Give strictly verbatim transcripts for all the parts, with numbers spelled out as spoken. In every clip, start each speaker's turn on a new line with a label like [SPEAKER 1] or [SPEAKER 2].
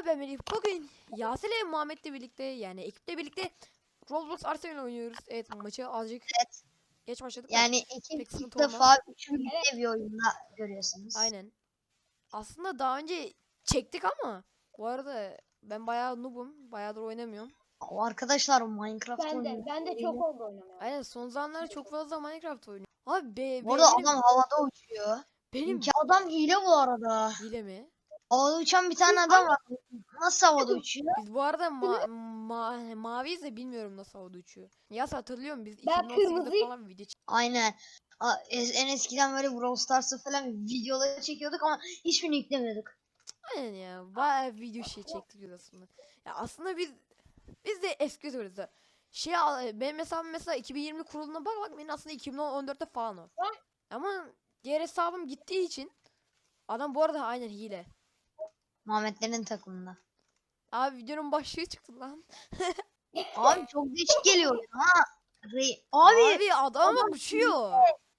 [SPEAKER 1] ben Melih. Bugün Yasir ile Muhammed'le birlikte yani ekiple birlikte Roblox Arsenal oynuyoruz. Evet, maçı azıcık
[SPEAKER 2] Evet.
[SPEAKER 1] geç başladık da
[SPEAKER 2] Yani
[SPEAKER 1] pek
[SPEAKER 2] ekip ilk
[SPEAKER 1] sıkıntı olmaz.
[SPEAKER 2] defa üçlü birlikte bir oyunda görüyorsunuz.
[SPEAKER 1] Aynen. Aslında daha önce çektik ama bu arada ben bayağı noob'um. Bayağıdır oynamıyorum.
[SPEAKER 2] O arkadaşlar Minecraft
[SPEAKER 3] Ben de,
[SPEAKER 2] oynuyor.
[SPEAKER 3] ben de çok oldu oynamaya.
[SPEAKER 1] Aynen, son zamanlarda çok fazla Minecraft oynuyorum. Abi be,
[SPEAKER 2] Bu
[SPEAKER 1] be
[SPEAKER 2] arada
[SPEAKER 1] benim
[SPEAKER 2] adam havada uçuyor.
[SPEAKER 1] benim
[SPEAKER 2] İmkan adam hile bu arada.
[SPEAKER 1] hile mi?
[SPEAKER 2] Havada uçan bir tane adam var. Nasıl havada uçuyor?
[SPEAKER 1] Biz bu arada ma ma maviyiz de bilmiyorum nasıl havada uçuyor. Yas, hatırlıyorum biz
[SPEAKER 3] Ben
[SPEAKER 1] iki bin on sekizde
[SPEAKER 3] kırmızıyım.
[SPEAKER 1] falan video çektik.
[SPEAKER 2] Aynen. A- es- En eskiden böyle Brawl Stars'ı falan videoları çekiyorduk ama hiçbirini yüklemiyorduk.
[SPEAKER 1] Aynen ya. Bayağı video şey çektik biz aslında. Ya aslında biz biz de eski diyoruz da. Şey al- benim hesabım mesela iki bin yirmi kuruluna bak bak benim aslında iki bin on dörtte falan o. Ama diğer hesabım gittiği için adam bu arada aynen hile.
[SPEAKER 2] Muhammedlerin takımında.
[SPEAKER 1] Abi videonun başlığı çıktı lan.
[SPEAKER 2] Abi çok değişik geliyor ha. Re- Abi,
[SPEAKER 1] Abi adam bak uçuyor.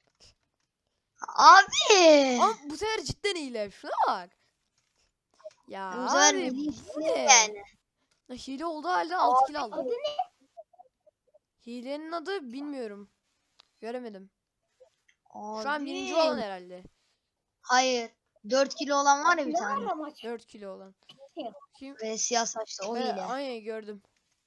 [SPEAKER 2] abi.
[SPEAKER 1] Ama bu sefer cidden hile. Şuna bak. Ya
[SPEAKER 2] Bu sefer
[SPEAKER 1] abi
[SPEAKER 2] Melih
[SPEAKER 1] bu
[SPEAKER 2] hile
[SPEAKER 1] ne?
[SPEAKER 2] yani.
[SPEAKER 1] Ya hile olduğu halde altı kill aldı.
[SPEAKER 3] Adı ne?
[SPEAKER 1] Hilenin adı bilmiyorum. Göremedim.
[SPEAKER 2] Abi.
[SPEAKER 1] Şu an birinci olan herhalde.
[SPEAKER 2] Hayır. dört kilo olan var ya bir
[SPEAKER 3] Ne
[SPEAKER 2] tane.
[SPEAKER 3] var maç?
[SPEAKER 1] dört kilo olan. Kim?
[SPEAKER 2] Ve siyah saçlı o
[SPEAKER 1] He,
[SPEAKER 2] hile.
[SPEAKER 1] aynen gördüm.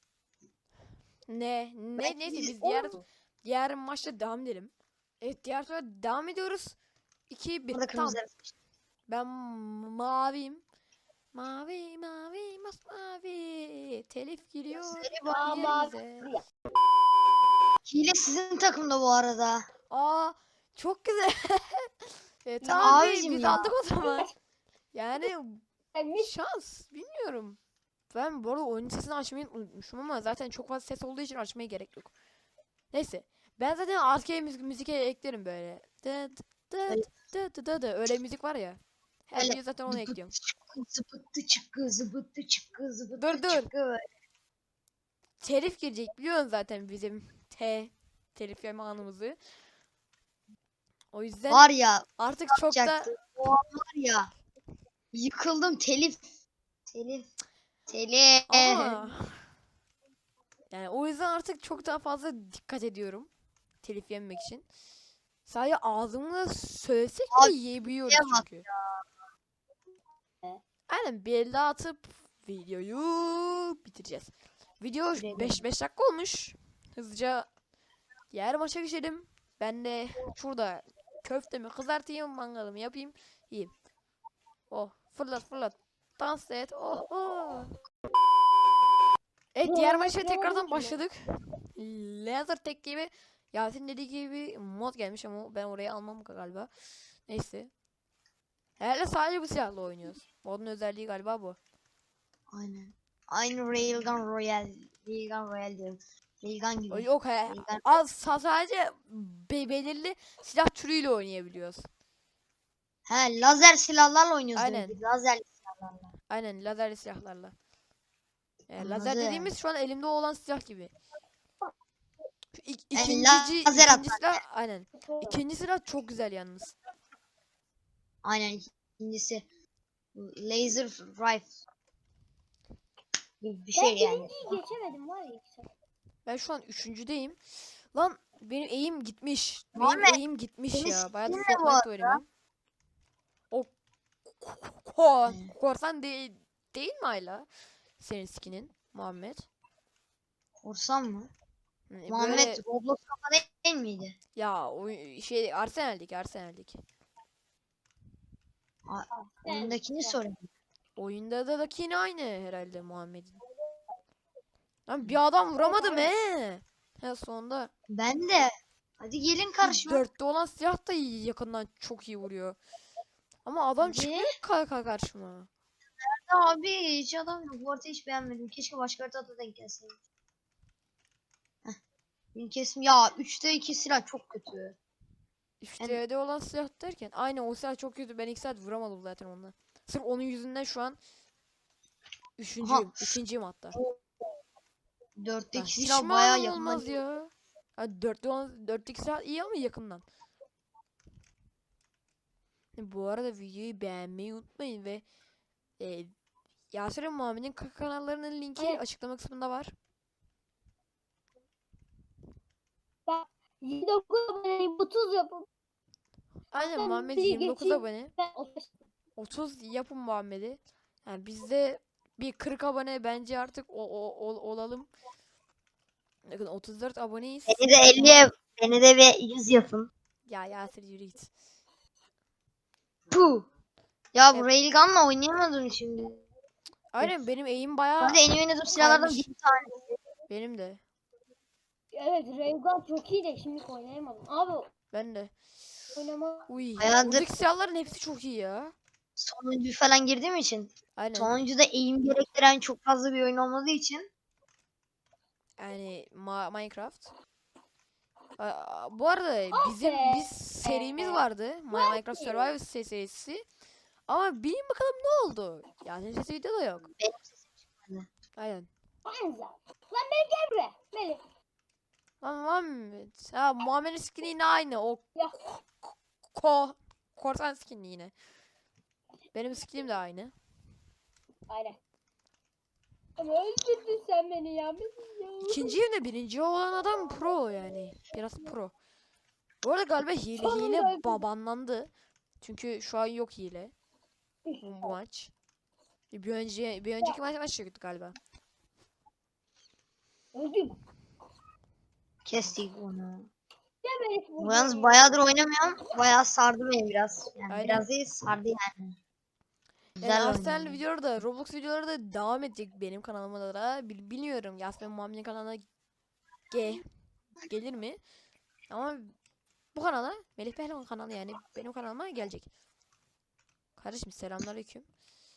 [SPEAKER 1] Ne? Ne?
[SPEAKER 2] Ben
[SPEAKER 1] Neyse
[SPEAKER 2] hile-
[SPEAKER 1] biz diğer diğer maçta devam edelim. Evet, diğer tura devam ediyoruz. iki bir.
[SPEAKER 2] Burada
[SPEAKER 1] Tamam.
[SPEAKER 2] kırmızı.
[SPEAKER 1] Ben maviyim. Mavi mavi masmavi. Telif giriyor
[SPEAKER 2] Söyle bak.
[SPEAKER 3] Ama
[SPEAKER 1] yerimize.
[SPEAKER 2] Hile sizin takımda bu arada.
[SPEAKER 1] Aa, çok güzel. e,
[SPEAKER 2] Ya
[SPEAKER 1] tamam biz,
[SPEAKER 2] abicim
[SPEAKER 1] biz
[SPEAKER 2] ya.
[SPEAKER 1] aldık o zaman. Yani
[SPEAKER 3] Mis
[SPEAKER 1] şans bilmiyorum. Ben bu arada oyun sesini açmayı unutmuşum ama zaten çok fazla ses olduğu için açmaya gerek yok. Neyse. Ben zaten arkaya müzik, müzik eklerim böyle. Dıt dıt dıt dıt dıt. Öyle müzik var ya. Her
[SPEAKER 2] Öyle.
[SPEAKER 1] videoya zaten onu ekliyorum.
[SPEAKER 2] Zıbıttı çıkkı zıbıttı çıkkı zıbıttı
[SPEAKER 1] Dur, dur.
[SPEAKER 2] çıkkı.
[SPEAKER 1] Telif girecek biliyorsun zaten bizim T telif yeme anımızı. O yüzden
[SPEAKER 2] Var ya
[SPEAKER 1] artık çok da
[SPEAKER 2] yapacaktı. O an var ya. Yıkıldım telif. Telif. Telif.
[SPEAKER 1] ama yani o yüzden artık çok daha fazla dikkat ediyorum telif yememek için. Sadece ağzımla söylesek
[SPEAKER 2] Abi,
[SPEAKER 1] bile yiyebiliyoruz
[SPEAKER 2] şeye bak
[SPEAKER 1] çünkü. Aynen, bir elde atıp videoyu bitireceğiz. Video beş beş dakika olmuş. Hızlıca diğer maça geçelim. Ben de şurada köftemi kızartayım, mangalımı yapayım, yiyeyim. Oh, fırlat fırlat. Dans et. Oh, oh. Evet, diğer maça tekrardan başladık. Laser tek gibi Yasin dediği gibi mod gelmiş ama ben oraya almam galiba. Neyse. Herhalde sadece bu silahla oynuyoruz. Modun özelliği galiba bu.
[SPEAKER 2] Aynen. Aynı Railgun Royale. Railgun Royale diyorum. Railgun
[SPEAKER 1] O
[SPEAKER 2] gibi.
[SPEAKER 1] yok he.
[SPEAKER 2] Railgun.
[SPEAKER 1] Az sadece be belirli silah türüyle oynayabiliyoruz.
[SPEAKER 2] He lazer silahlarla oynuyoruz
[SPEAKER 1] Aynen.
[SPEAKER 2] demek ki. Lazer silahlarla.
[SPEAKER 1] Aynen, lazerli silahlarla. Yani lazer
[SPEAKER 2] Anladım.
[SPEAKER 1] dediğimiz şu an elimde olan silah gibi. Şu ik-
[SPEAKER 2] Yani
[SPEAKER 1] ikinci,
[SPEAKER 2] lazer
[SPEAKER 1] ikinci
[SPEAKER 2] atar.
[SPEAKER 1] silah aynen. İkinci silah çok güzel yalnız.
[SPEAKER 2] Aynen ikincisi. Laser rifle. Bir, bir şey
[SPEAKER 3] ben
[SPEAKER 2] yani.
[SPEAKER 3] birinciyi geçemedim var ya.
[SPEAKER 1] Ben şu an üçüncüdeyüm. Lan benim eğim gitmiş. Benim
[SPEAKER 2] Muhammed,
[SPEAKER 1] eğim gitmiş
[SPEAKER 2] senin
[SPEAKER 1] ya. Bayağı da
[SPEAKER 2] skin ne bu
[SPEAKER 1] Fortnite oynamıyorum. O ko korsan değil, değil mi hala? Senin skinin Muhammed.
[SPEAKER 2] Korsan mı?
[SPEAKER 1] Hani
[SPEAKER 2] Muhammed
[SPEAKER 1] böyle
[SPEAKER 2] Roblox kafa değil miydi?
[SPEAKER 1] ya o şey Arsenal'dik Arsenal'dik.
[SPEAKER 2] Oyundakini sorayım.
[SPEAKER 1] Oyunda da da yine aynı herhalde Muhammed'in. Lan bir adam vuramadım he. He, sonunda.
[SPEAKER 2] Ben de. Hadi gelin karşıma.
[SPEAKER 1] Dörtte olan silah da yakından çok iyi vuruyor. Ama adam
[SPEAKER 2] Hadi.
[SPEAKER 1] çıkmıyor kanka karşıma.
[SPEAKER 2] Abi hiç adam yok. Bu arada hiç beğenmedim. Keşke başka haritada denk gelseydi. Heh. Benim kesim ya üçte iki silah çok kötü.
[SPEAKER 1] üçte olan silah derken aynı o silah çok kötü. Ben ilk saat vuramadım zaten onunla. Sırf onun yüzünden şu an üçüncüyüm. ikinciyim hatta.
[SPEAKER 2] Dörtteki
[SPEAKER 1] Hiç
[SPEAKER 2] silah
[SPEAKER 1] mi
[SPEAKER 2] bayağı
[SPEAKER 1] anlam
[SPEAKER 2] yakından.
[SPEAKER 1] olmaz ya. Ha, dörtte olan, dörtteki silah iyi ama yakından. Bu arada videoyu beğenmeyi unutmayın ve e, Yaser'in Muhammed'in k- kanallarının linki
[SPEAKER 3] Evet.
[SPEAKER 1] açıklama kısmında var.
[SPEAKER 3] Ben yirmi dokuz aboneyim, otuz yapın.
[SPEAKER 1] Aynen
[SPEAKER 3] Ben
[SPEAKER 1] Muhammed
[SPEAKER 3] bir
[SPEAKER 1] yirmi dokuz
[SPEAKER 3] geçeyim.
[SPEAKER 1] abone.
[SPEAKER 3] Ben otuz.
[SPEAKER 1] otuz yapın Muhammed'i. Yani bizde bir kırk abone bence artık o, o- ol- olalım. Bakın otuz dört aboneyiz.
[SPEAKER 2] Beni de elli yap. Beni de bir yüz yapın.
[SPEAKER 1] Ya Yaser yürü git.
[SPEAKER 2] Puh. Ya bu
[SPEAKER 1] Evet.
[SPEAKER 2] Railgun'la oynayamadım şimdi.
[SPEAKER 1] Aynen benim eğim bayağı
[SPEAKER 2] Hadi en iyi oynadığım silahlardan
[SPEAKER 1] kaymış.
[SPEAKER 2] bir tane.
[SPEAKER 1] Benim de.
[SPEAKER 3] Evet, Raygun çok iyi de şimdi oynayamadım. Abi
[SPEAKER 1] Ben de.
[SPEAKER 3] oynama.
[SPEAKER 1] Uy.
[SPEAKER 2] Bayağıdır-
[SPEAKER 1] Buradaki silahların hepsi çok iyi ya.
[SPEAKER 2] Sonuncu falan girdiğim için.
[SPEAKER 1] Aynen.
[SPEAKER 2] Sonuncuda eğim gerektiren çok fazla bir oyun olmadığı için.
[SPEAKER 1] Yani Ma- Minecraft. Aa, bu arada bizim
[SPEAKER 3] be.
[SPEAKER 1] biz serimiz vardı. Ma- Minecraft Survival se- serisi. Ama bilin bakalım ne oldu? Yani sesi videoda yok.
[SPEAKER 2] Benim sesim çıkmadı.
[SPEAKER 1] Aynen.
[SPEAKER 3] Benzer. Lan beni gel buraya. Melih.
[SPEAKER 1] Lan Muhammed. Ha Muhammed'in skin'i yine aynı. O
[SPEAKER 3] Ya.
[SPEAKER 1] ko korsan skin'i yine. Benim skin'im de aynı.
[SPEAKER 3] Aynen. Ama öldürdün sen beni ya. Melih ya.
[SPEAKER 1] İkinci evde birinci olan adam pro yani. Biraz pro. Bu arada galiba hile
[SPEAKER 3] Sonunda
[SPEAKER 1] hile
[SPEAKER 3] öldüm.
[SPEAKER 1] babanlandı. Çünkü şu an yok hile. Bu, bu maç. Bir önce bir önceki maç maç çıktı galiba.
[SPEAKER 3] Öldüm.
[SPEAKER 2] Kestik bunu.
[SPEAKER 3] Ya Melih
[SPEAKER 2] Bu
[SPEAKER 3] burada.
[SPEAKER 2] yalnız bayağıdır oynamıyorum. Bayağı sardı beni biraz. Yani
[SPEAKER 1] Aynen.
[SPEAKER 2] biraz değil sardı yani. Güzel
[SPEAKER 1] Yani
[SPEAKER 2] oynuyor.
[SPEAKER 1] Arsenal videoları da Roblox videoları da devam edecek benim kanalıma da. Bil- bilmiyorum Yasmin Muhammed'in kanalına ge gelir mi? Ama bu kanala Melih Pehlivan kanalı yani benim kanalıma gelecek. Kardeşim selamünaleyküm.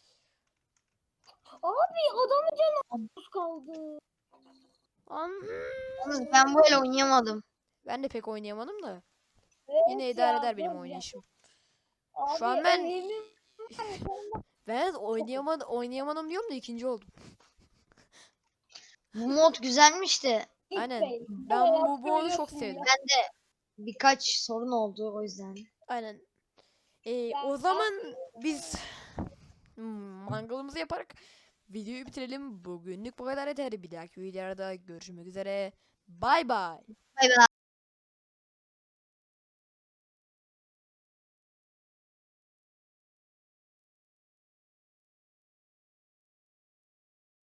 [SPEAKER 3] Abi adamın canı az kaldı.
[SPEAKER 1] An
[SPEAKER 2] Yalnız ben böyle oynayamadım.
[SPEAKER 1] ben de pek oynayamadım da.
[SPEAKER 3] Evet
[SPEAKER 1] Yine idare
[SPEAKER 3] ya,
[SPEAKER 1] eder benim
[SPEAKER 3] çok
[SPEAKER 1] oynayışım.
[SPEAKER 3] Abi,
[SPEAKER 1] Şu an ben-
[SPEAKER 3] evimin-
[SPEAKER 1] Ben oynayamadım, oynayamadım diyorum da ikinci oldum.
[SPEAKER 2] Bu mod güzelmiş de
[SPEAKER 1] Aynen.
[SPEAKER 3] Gitmeyin.
[SPEAKER 1] Ben
[SPEAKER 3] Bayağı
[SPEAKER 1] bu, bu oyunu çok
[SPEAKER 3] söylüyorsun
[SPEAKER 1] sevdim.
[SPEAKER 3] ya.
[SPEAKER 2] birkaç sorun oldu o yüzden.
[SPEAKER 1] Aynen. Ee,
[SPEAKER 3] Ben-
[SPEAKER 1] o zaman biz hmm, mangalımızı yaparak videoyu bitirelim. Bugünlük bu kadar yeter. Bir dahaki videoda görüşmek üzere. Bay bay.
[SPEAKER 2] Bay bay.